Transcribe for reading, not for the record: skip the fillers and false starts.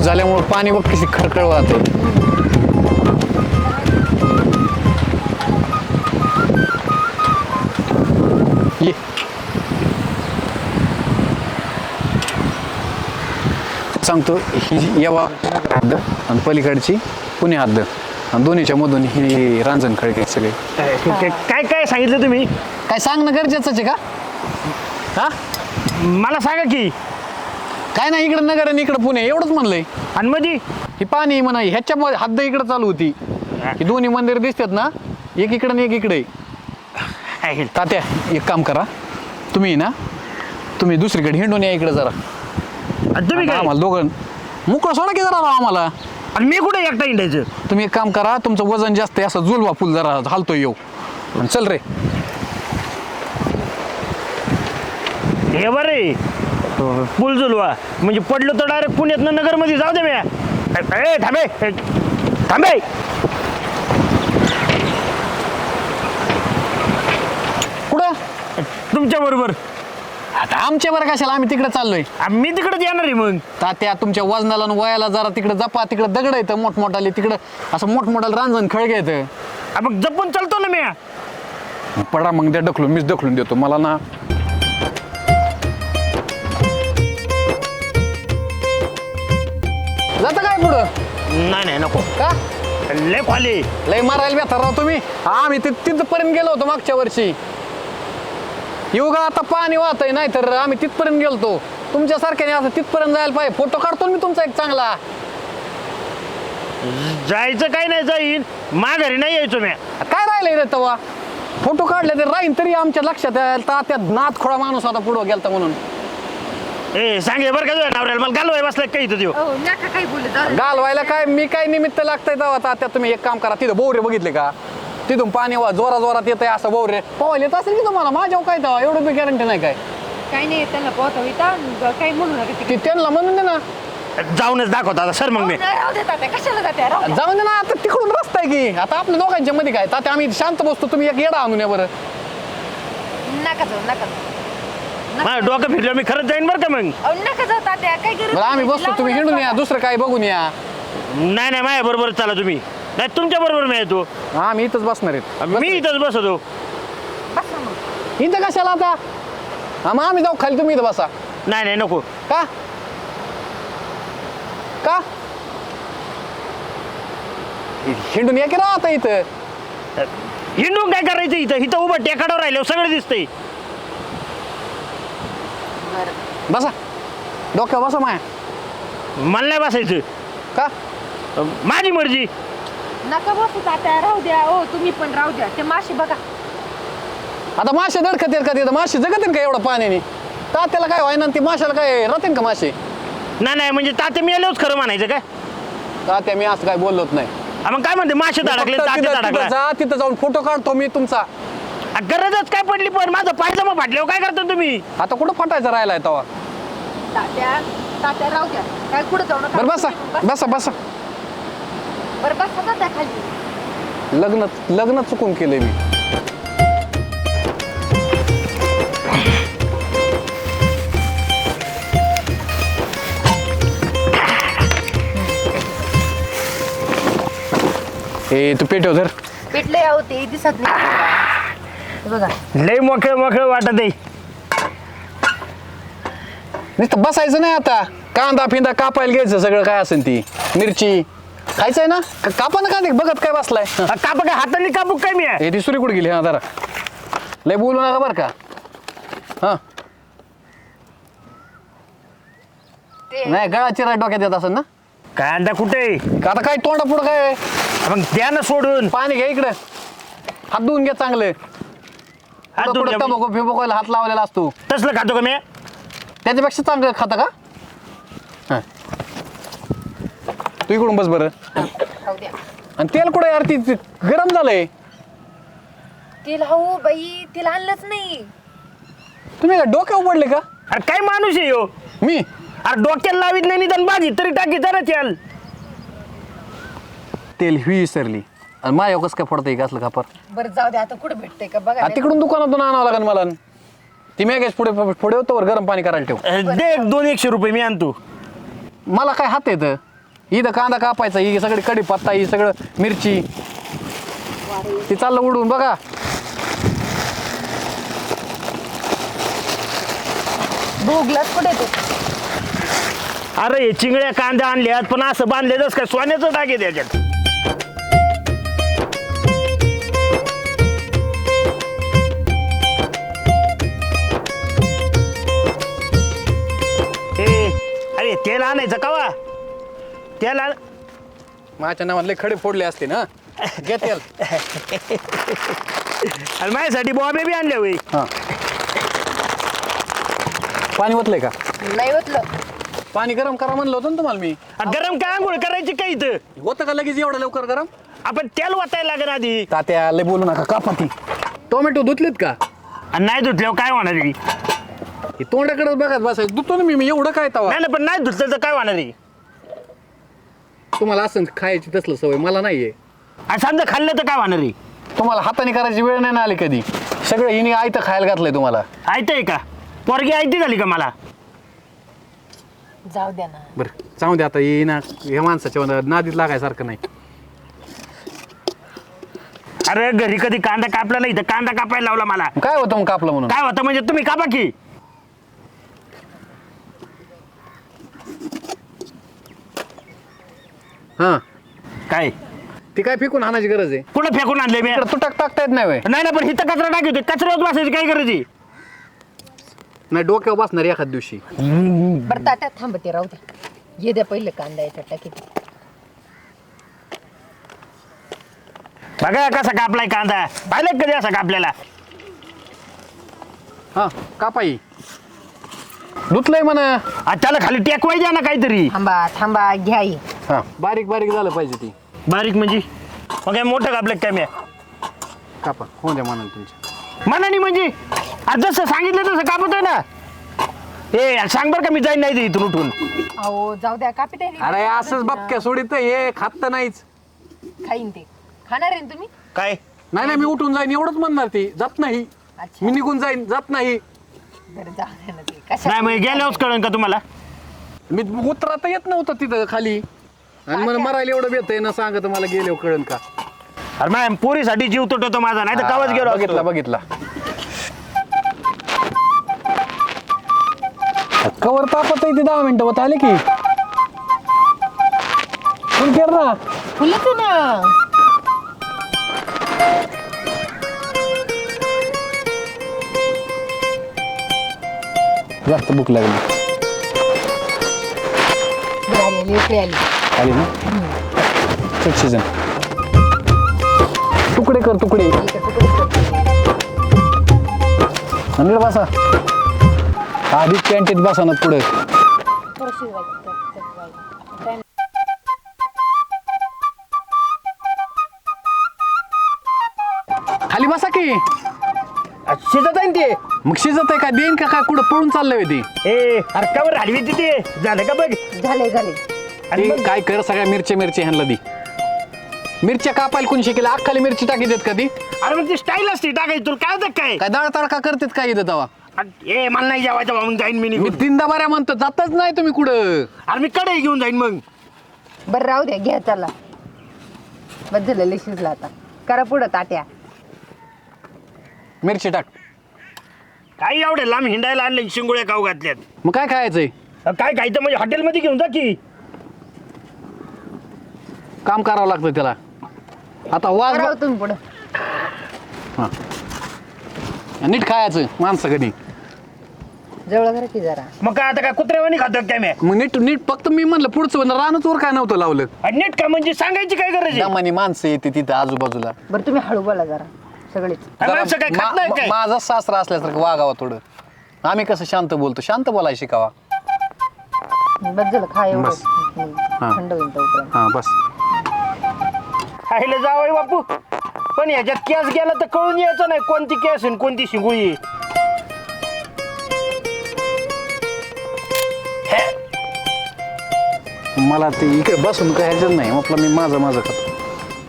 झाल्यामुळे पाणी बघ कशी खळखळ वाहते. ये सांगतो ही यावा हद्द आणि पलीकडची पुणे हद्द आणि दोन्हीच्या मधून ही रांजण खळके सगळे. काय काय सांगितलं तुम्ही? काय सांगणं गरजेचंच आहे का? हा मला सांगा की. काय नाही इकडं नगर आणि इकडं पुणे एवढंच म्हणलंय. आणि मध्ये ही पाणी म्हणा ह्याच्या हद्द इकडं चालू होती. ही दोन्ही मंदिर दिसतात ना, एक इकडं आणि एक इकडे. तात्या एक काम करा, तुम्ही दुसरीकडे हिंडून या इकडे जरा. तुम्ही काय? आम्हाला दोघं मोकळं सोडा की जरा आम्हाला. आणि मी कुठे एकटा हिंडायचं? तुम्ही एक काम करा, तुमचं वजन जास्त आहे असं जुलवा फुल जरा हालतोय येऊ आणि चल रे. हे बरे पूल जुलवा म्हणजे पडलो तर डायरेक्ट पुण्यातनं नगरमध्ये जाऊ दे. मी थांबे थांबे. कुठं? तुमच्या बरोबर. आता आमच्या बरं कशाला, आम्ही तिकडे चाललोय. मी तिकडेच येणार आहे मग. तात्या तुमच्या वजनाला आणि वयाला जरा तिकडे जपा. तिकडे दगड येतं मोठमोठाले, तिकडं असं मोठमोठाले रांजण खळगे येतं. मग जपून चालतो ना मी. पडा मग त्या ढकलून, मीच ढकलून देतो मला ना. जाता काय पुढं? नाही नको. का लय खाली लय मारायला बेथार राव तुम्ही. आम्ही तिथपर्यंत गेलो होतो मागच्या वर्षी. येऊ का आता पाणी वाहतय, नाही तर आम्ही तिथपर्यंत गेलतो. तुमच्यासारख्याने असं तिथपर्यंत जायला पाहिजे. फोटो काढतो मी तुमचा एक चांगला. जायचं काय नाही, जाईन माघारी नाही यायचो मी. काय राहिलंय रे तवा? फोटो काढले ते राहीन तरी आमच्या लक्षात यायला. त्या नाथ खोळा माणूस होता पुढं गेलता म्हणून. सांगे बरं का तुझ्या नवऱ्याला, मला घालवाय बसलाय काही देऊ. घालवायला काय मी काय निमित्त लागतंय तेव्हा. तात्या तुम्ही एक काम करा, तिथं बोवरे बघितले का? तिथून पाणी जोरात येत आहे असं बोवरे पोहायला येत असेल की तुम्हाला. माझ्या काय तेव्हा एवढं बी गॅरंटी नाही. काय काही नाही त्यांना पोहता काही म्हणू नका. की त्यांना म्हणून दे ना, जाऊनच दाखवता आता सर. मग मी कशाला जाते? जाऊन दे ना. आता तिकडून रस्ता आहे की. आता आपल्या दोघांच्या मध्ये काय तात्या, आम्ही शांत बसतो. तुम्ही एक येडा आणून या बरं. नका जाऊ नका. माझं डोकं फिरलं मी खरंच जाईन बरं का मग. नका जाऊ तात्या, काय गरज बरं आम्ही बसतो, तुम्ही हिंडून या, दुसरं काय बघून या. नाही माझ्या बरोबर चला तुम्ही. नाही तुमच्या बरोबर मी येतो. आम्ही इथंच बसणार आहेत. मी इथंच बसतो. बसा मग. इथं कशाला आता? मग आम्ही जाऊ खाली, तुम्ही इथं बसा. नाही नको. का का हिंडून या की राव आता इथं. हिंडून काय करायचं इथं? इथं उभं टेकाडावर राहिलं सगळं दिसतंय. बसा डोक्यावर बसा माया. मला नाही बसायचं. का माझी मर्जी. नका बसू तात्या, राहू द्या. ओ तुम्ही पण राहू द्या. ते माशी बघा. आता मासे दडकत येत का तिथं? मासे जगत का एवढं पाण्याने? तात्याला काय व्हायना, ती माशाला काय राहते का मासे? नाही म्हणजे तात्या मी आलोच खरं म्हणायचं काय? तात्या मी असं काय बोललोच नाही. मग काय म्हणते मासे धडकले तात्या तिथं जाऊन फोटो काढतो मी तुमचा. गरजच काय पडली पण माझं पायजमा फाटल्यावर काय करता तुम्ही? आता कुठं फाटायचं राहिलाय तवा? तात्या राहू द्या. काय कुठं जाऊ नका. बरं बसा बसा बसा. बरं बसा तात्या खाली. लग्न चुकून केलंय मी. ए तू पेटव धर. पेटले आहो ते दिसत नाही बघा. लय मोकळ वाटत आहे. नुसतं बसायचं नाही आता. कांदा फिंदा कापायला घ्यायचं, सगळं काय असेल ती मिरची खायचंय ना. कापा ना कांदे, बघत काय बसलाय. काप काय हाताने कापू काय मी? हे ती सुरी कुठे गेली? हा जरा लय बोलू नका बरं का. हा नाही गळा चिरा डोक्यात येत असेल ना. कांदा कुठे? आता काय तोंडा पुढं काय? मग द्या ना सोडून. पाणी घ्या इकडे, हात धुवून घ्या चांगले. तंबाखू फिबोकायला हात लावलेला असतो. तसलं खातो का मी? त्याच्यापेक्षा चांगलं खाता का? हा तू इकडून बस बरं. राहू द्या. आणि तेल कुठे यार? ती गरम झालंय. तिला हो बाई, तिला आणलंच नाही. तुम्ही काय डोक्यावर पडले का? अरे काय माणूस आहे हो मी? अरे डोक्याला लावित नाही निदान बाजी तरी टाकी जरा तेल. तेल ही विसरली आणि माझ्या कसं काय पडतंय का असलं खापर? बरं जाऊ द्या. आता कुठं भेटतंय का बघा. तिकडून दुकानातून आणावं लागेल मला. ती मॅगेज पुढे होतो गरम पाणी करायला ठेव. दे 200 रुपये मी आणतो. मला काय हात येतं? इथं कांदा कापायचा, ही सगळी कढीपत्ता, ही सगळं मिरची, ती चाललं उडून बघा. भोगलाच कुठे ते अरे हे चिंगड्या कांदा आणल्यात पण असं बांधलेलंच काय सोन्याचं डाग आहे त्याच्यात. अरे तेल आणायचं कवा तेल आण. माझ्या नावात लय खडे फोडले असते ना. घेतेल. आणि माझ्यासाठी बॉबे बी आणल्या होई. हां, पाणी ओतलंय का? नाही होतलं. पाणी गरम करा म्हणलं होतं ना तुम्हाला मी. गरम काय आंघोळ करायची काय इथं? होतं का लगेच एवढं लवकर गरम? आपण तेल वाटायला लागेल आधी. तात्या लय बोलू नका, कापा ती. टोमॅटो धुतलेत का? आणि नाही धुतल्यावर काय होणार आहे? हे तोंडाकडे बघत बसायचं. धुतो ना मी एवढं काय तवा. नाही पण नाही धुतलं तर काय होणार आहे? तुम्हाला असं खायची तसलं सवय, मला नाहीये. आणि समजा खाल्लं तर काय होणार आहे? तुम्हाला हाताने करायची वेळ नाही ना आली कधी. सगळं हिने आयतं खायला घातलंय तुम्हाला. ऐकतंय का? पोरगी ऐकती झाली का मला? जाऊ द्या ना. बरं जाऊ दे आता. ये ना हे माणसाच्या नादीत लागायसारखं नाही. अरे घरी कधी कांदा कापला नाही तर कांदा कापायला लावला मला. काय होतं मग कापलं म्हणून? काय होतं म्हणजे तुम्ही कापा की. हां, काय ती काय फेकून आणायची गरज आहे? कुठं फेकून आणले मी? इकडं तुटक टाकता येत नाही व्हय? नाही ना पण हिथं कचरा टाकतो. कचऱ्यावर बसायची काय करायची? नाही डोक्यावर बसणार एखाद दिवशी. बरं तात्या थांबते राहू द्या. ये द्या पहिलं कांदा याच्यात टाकी. बघा कसा कापलाय कांदा. पाहिलं कधी असा कापलेला? हां, कापाई धुतलंय म्हणा. आज त्याला खाली टेकवाय द्या ना काहीतरी. थांबा थांबा घ्या ही. हां, बारीक बारीक झालं पाहिजे ती. बारीक म्हणजे मग काय मोठं कापलं काय मी? कापा होऊ द्या म्हणाल तुमच्या. मनानी म्हणजे आज जसं सांगितलं तसं कापतोय ना. ए सांग बरं का मी जाईन नाही ते इथून उठून. अहो जाऊ द्या कापी ते. अरे असंच बपक्या सोडित हे खात तर नाहीच. खाईन ते. खाणार आहे ना तुम्ही? काय नाही नाही, मी उठून जाईन एवढंच म्हणणार. ती जात नाही. अच्छा. मी निघून जाईन, जात नाही. बरं जाऊ द्या ना ते. कशा नाही मग गेल्यावरच कळन का तुम्हाला? मी उतरता येत नव्हतं तिथं खाली. आणि मला मरायला एवढं येतंय ना, सांगत मला गेल्यावर कळन का? अरे मॅम पोरीसाठी जीव तुटतो माझा. नाही तर कावच गेलो. बघितला बघितला. कवर तापत आहे ते 10 मिनिटं होत आले की. फुल केर ना. फुलच ना. जास्त भूक लागली. आली इकडे आली. आली ना. चट सीजन. तुकडे कर तुकडे. इकडे तुकडे. आणि बसा आधीच कॅन्टीत बसा ना पुढे. थोडं शिजवायचं. खाली बसा की. शिजत आहे ते. मग शिजत आहे का? देईन का काय? कुठं पळून चाललंय ती? ए अरे कवर हलवी तिथे झालं का बघ. झाले झाले. आणि ती मग काय कर, सगळ्या मिरच्या ह्यांना दी. मिरच्या कापायला कोणी शिकेल? अख्खाली मिरची टाकी देत का ती? अरे मग ती स्टाईल असते टाकायची. तुला काय होतं काय? काय डाळ तडका करतेत काय इथं तवा? ए मला नाही जेवायचं बा, मग जाईन मी मी निघून. 3दा बऱ्या म्हणतो, जातच नाही तुम्ही कुठं. अरे मी कडे घेऊन जाईन मग. बरं राहू द्या घ्या त्याला. बस झालं लय शिजला आता. करा पुढं ताट्या. मिरची टाक. काही एवढे लांब हिंडायला आणले शिंगोळ्या खाऊ घातल्यात. मग काय खायचंय? काय खायचं म्हणजे हॉटेलमध्ये घेऊन जा की. काम करावं लागतं त्याला. आता वाज राहू तुम्ही पुढं. हां, नीट खायचं माणसं कधी. जवळ करा की जरा. मग काय आता काय कुत्र्यावानी खातो काय मी? मग नीट नीट फक्त मी म्हणलं पुढचं रानच वर काय नव्हतं लावलं. आणि नीट का म्हणजे सांगायची काय गरज आहे? दमानी माणसं येते तिथं आजूबाजूला. बरं तुम्ही हळू बोला जरा सगळेच. काय माणसं काय खात नाही काय? माझा सासरा असल्यासारखं वागावा थोडं. आम्ही कसं शांत बोलतो, शांत बोलायला शिकावा. बस झालं खा एवढं. बस. हां. थंड होईल तोपर्यंत. हां बस. खायला जावं बापू. पण ह्याच्यात केस गेला तर कळून यायचं नाही कोणती केस आणि कोणती शिंगुळी. मला ते इकडे बसून काय ह्याच्यात नाही. म्हटलं मी माझं खातो.